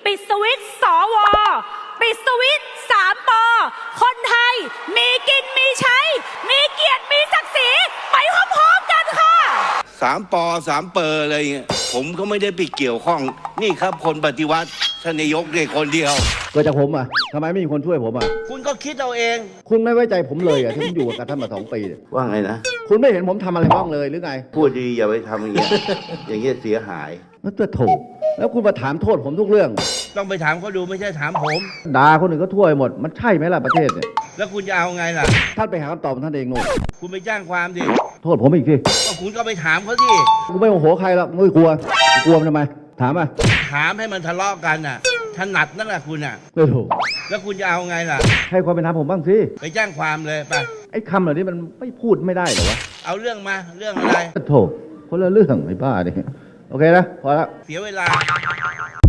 ปิดสวิตช์สวปิดสวิตช์3 ปคนไทยมีกินมีใช้มีเกียรติมีศักดิ์ศรีไปพร้อมๆกันค่ะ 3 ป3 เปอร์อะไรเงี้ยผมก็ไม่ได้ไปเกี่ยวข้องนี่ครับคนปฏิวัติท่านนายกเนี่ยคนเดียวเกิดจากผมอ่ะทำไมไม่มีคนช่วยผมอ่ะคุณก็คิดเอาเองคุณไม่ไว้ใจผมเลยอ่ะที่ผมอยู่กับท่านมา2 ปีเนี่ยว่าไงนะคุณไม่เห็นผมทำอะไรบ้างเลยหรือไงพูดดีอย่าไปทำอย่างเงี้ย อย่างเงี้ยเสียหายแล้วจะถูกแล้วคุณมาถามโทษผมทุกเรื่องต้องไปถามเขาดูไม่ใช่ถามผมด่าคนอื่นก็ทั่วไปหมดมันใช่ไหมล่ะประเทศเนี่ยแล้วคุณจะเอาไงล่ะท่านไปหาคำตอบของท่านเองโน่นคุณไปแจ้งความดิโทษผมอีกทีก็คุณก็ไปถามเขาดิกูไม่โมโหใครหรอกไม่กลัวมันทำไมถามอ่ะถามให้มันทะเลาะกันน่ะถนัดนั่นแหละคุณน่ะไม่ถูกแล้วคุณจะเอาไงล่ะให้ความเป็นธรรมผมบ้างสิไปแจ้งความเลยไปไอ้คำเหล่านี้มันไม่พูดไม่ได้เหรอวะเอาเรื่องมาเรื่องอะไรโถคนละเรื่องไอ้บ้าเนี่ยโอเคนะพอแล้วเสียเวลา